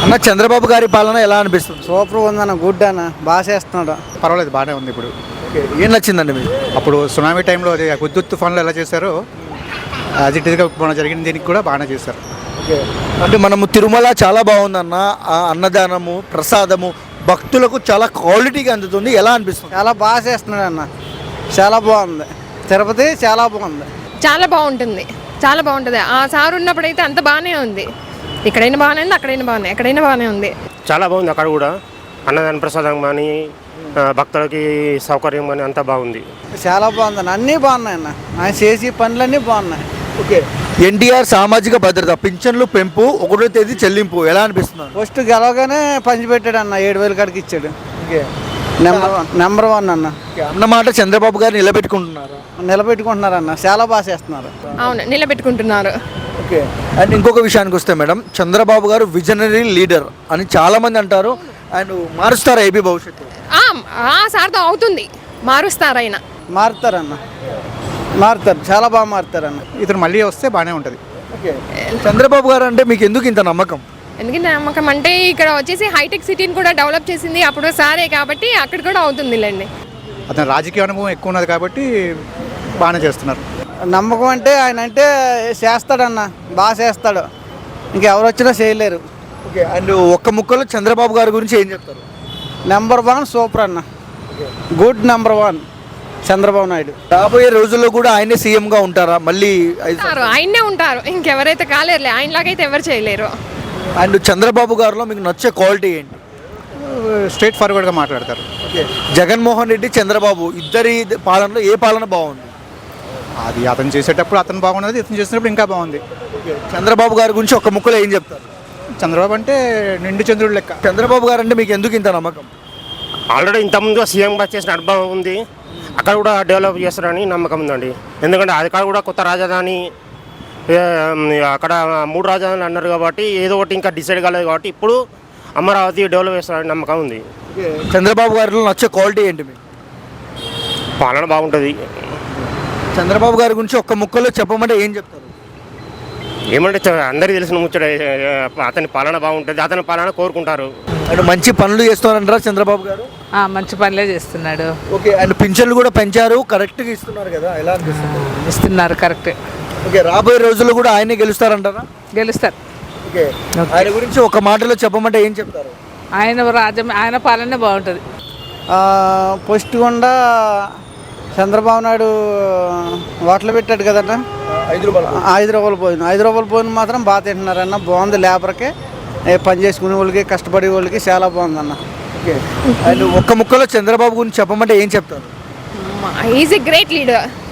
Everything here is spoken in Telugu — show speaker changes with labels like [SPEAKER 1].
[SPEAKER 1] అన్న చంద్రబాబు గారి పాలన ఎలా అనిపిస్తుంది?
[SPEAKER 2] సూపర్ ఉందన్న, గుడ్ అన్న, బాగా చేస్తున్నాడు.
[SPEAKER 3] పర్వాలేదు, బాగానే ఉంది. ఇప్పుడు
[SPEAKER 1] ఏం నచ్చిందండి మీకు?
[SPEAKER 3] అప్పుడు సునామీ టైంలో అది హుద్హుద్ తుఫాన్లో ఎలా చేశారో యాజ్ ఇట్ ఈస్గా మన జరిగిన దీనికి కూడా బాగానే చేశారు.
[SPEAKER 1] అంటే మనము తిరుమల చాలా బాగుందన్న, ఆ అన్నదానము ప్రసాదము భక్తులకు చాలా క్వాలిటీగా అందుతుంది. ఎలా అనిపిస్తుంది?
[SPEAKER 2] చాలా బాగా చేస్తున్నాడు అన్న, చాలా బాగుంది. తిరుపతి చాలా బాగుంది.
[SPEAKER 4] చాలా బాగుంటుంది, చాలా బాగుంటుంది. ఆ సార్ ఉన్నప్పుడైతే అంత బాగానే ఉంది. ఇక్కడైనా బాగానే ఉంది, అక్కడైనా బాగానే, ఎక్కడైనా బాగానే ఉంది.
[SPEAKER 5] చాలా బాగుంది. అక్కడ కూడా అన్నదాన ప్రసాదం కానీ భక్తులకి సౌకర్యం కానీ అంతా బాగుంది.
[SPEAKER 2] చాలా బాగుందన్న, అన్నీ బాగున్నాయి అన్న, ఆయన చేసి పనులన్నీ బాగున్నాయి.
[SPEAKER 1] ఓకే, ఎన్టీఆర్ సామాజిక భద్రత పింఛన్లు పెంపు 1వ తేదీ చెల్లింపు ఎలా అనిపిస్తుంది?
[SPEAKER 2] ఫస్ట్ గెలవగానే పంచిపెట్టాడు అన్న, 7,000 కాడికి ఇచ్చాడు. నెంబర్ వన్ అన్న.
[SPEAKER 1] అన్నమాట చంద్రబాబు గారు నిలబెట్టుకుంటున్నారు.
[SPEAKER 2] నిలబెట్టుకుంటున్నారన్న, చాలా బాగా చేస్తున్నారు.
[SPEAKER 4] అవును, నిలబెట్టుకుంటున్నారు.
[SPEAKER 1] ఓకే, అండ్ ఇంకొక విషయానికి వస్తే మేడం, చంద్రబాబు గారు విజనరీ లీడర్ అని చాలా మంది అంటారు. అండ్ మారుస్తారు ఏపీ భవిష్యత్తు.
[SPEAKER 4] ఆ సార్తో అవుతుంది, మారుస్తారు ఆయన.
[SPEAKER 2] మారుతారన్న, మారుతారు, చాలా బాగా మారుతారన్న.
[SPEAKER 3] ఇతను మళ్ళీ వస్తే బాగానే ఉంటుంది.
[SPEAKER 1] ఓకే, చంద్రబాబు గారు అంటే మీకు ఎందుకు ఇంత నమ్మకం?
[SPEAKER 4] ఎందుకంటే నమ్మకం అంటే ఇక్కడ వచ్చేసి హైటెక్ సిటీని కూడా డెవలప్ చేసింది అప్పుడు సారే, కాబట్టి అక్కడ కూడా అవుతుందిలేండి.
[SPEAKER 3] అతను రాజకీయ అనుభవం ఎక్కువ ఉన్నది కాబట్టి బాగానే చేస్తున్నారు.
[SPEAKER 2] నమ్మకం అంటే ఆయన అంటే చేస్తాడన్న, బాగా చేస్తాడు, ఇంకెవరు వచ్చినా చేయలేరు.
[SPEAKER 1] ఓకే, అండ్ ఒక్క ముక్కలో చంద్రబాబు గారి గురించి ఏం చెప్తారు?
[SPEAKER 2] నెంబర్ వన్, సూపర్ అన్న, good, number one Chandrababu Naidu.
[SPEAKER 1] రాబోయే రోజుల్లో కూడా ఆయనే సీఎంగా ఉంటారా మళ్ళీ?
[SPEAKER 4] ఆయనే ఉంటారు, ఇంకెవరైతే కాలేరులే, ఆయనలాగైతే ఎవరు చేయలేరు.
[SPEAKER 1] అండ్ చంద్రబాబు గారిలో మీకు నచ్చే క్వాలిటీ ఏంటి?
[SPEAKER 3] స్ట్రైట్ ఫార్వర్డ్గా మాట్లాడతారు.
[SPEAKER 1] ఓకే, జగన్మోహన్ రెడ్డి చంద్రబాబు ఇద్దరి పాలనలో ఏ పాలన బాగుంది?
[SPEAKER 3] అది అతను చేసేటప్పుడు అతను బాగున్నది, ఇతను చేసినప్పుడు ఇంకా బాగుంది.
[SPEAKER 1] చంద్రబాబు గారి గురించి ఒక్క ముక్కలో ఏం చెప్తారు?
[SPEAKER 3] చంద్రబాబు అంటే నిండు చంద్రుడు లెక్క.
[SPEAKER 1] చంద్రబాబు గారు అంటే మీకు ఎందుకు ఇంత నమ్మకం?
[SPEAKER 5] ఆల్రెడీ ఇంతకుముందు సీఎంగా చేసిన అనుభవం ఉంది. అక్కడ కూడా డెవలప్ చేస్తారని నమ్మకం ఉందండి. ఎందుకంటే అక్కడ కూడా కొత్త రాజధాని, అక్కడ 3 రాజధానులు అన్నారు కాబట్టి ఏదో ఒకటి ఇంకా డిసైడ్ కాలేదు కాబట్టి ఇప్పుడు అమరావతి డెవలప్ చేస్తారని నమ్మకం ఉంది.
[SPEAKER 1] చంద్రబాబు గారిలో నచ్చే క్వాలిటీ ఏంటి మీకు?
[SPEAKER 5] పాలన బాగుంటుంది.
[SPEAKER 1] చంద్రబాబు గారి గురించి ఒక్క ముక్కలో చెప్పమంటే ఏం చెప్తారు?
[SPEAKER 5] ఏమంటే అందరికీ తెలిసిన ముచ్చట, అతని పాలన బాగుంటుంది, అతని పాలన కోరుకుంటారు.
[SPEAKER 1] అండ్ మంచి పనులు చేస్తున్నారంటారా చంద్రబాబు గారు?
[SPEAKER 6] మంచి పనులే చేస్తున్నాడు.
[SPEAKER 1] ఓకే, అండ్ పింఛన్లు కూడా పెంచారు, కరెక్ట్గా ఇస్తున్నారు కదా, ఎలా అనిపిస్తుంది?
[SPEAKER 6] ఇస్తున్నారు, కరెక్ట్.
[SPEAKER 1] ఓకే, రాబోయే రోజుల్లో కూడా ఆయనే గెలుస్తారంటారా?
[SPEAKER 6] గెలుస్తారు.
[SPEAKER 1] ఓకే, ఆయన గురించి ఒక మాటలో చెప్పమంటే ఏం చెప్తారు?
[SPEAKER 6] ఆయన పాలనే బాగుంటుంది.
[SPEAKER 2] ఫస్ట్ గుండా చంద్రబాబు నాయుడు ఓట్లు పెట్టాడు కదన్న,
[SPEAKER 1] 5 రూపాయలు
[SPEAKER 2] పోయిన 5 రూపాయలు పోయిన మాత్రం బాగా తింటున్నారన్న, బాగుంది. లేబర్కి, పని చేసుకునే వాళ్ళకి, కష్టపడే వాళ్ళకి చాలా బాగుందన్న.
[SPEAKER 1] ఓకే, అండ్ ఒక్క ముక్కలో చంద్రబాబు గురించి చెప్పమంటే ఏం చెప్తారు?
[SPEAKER 4] Is a great leader.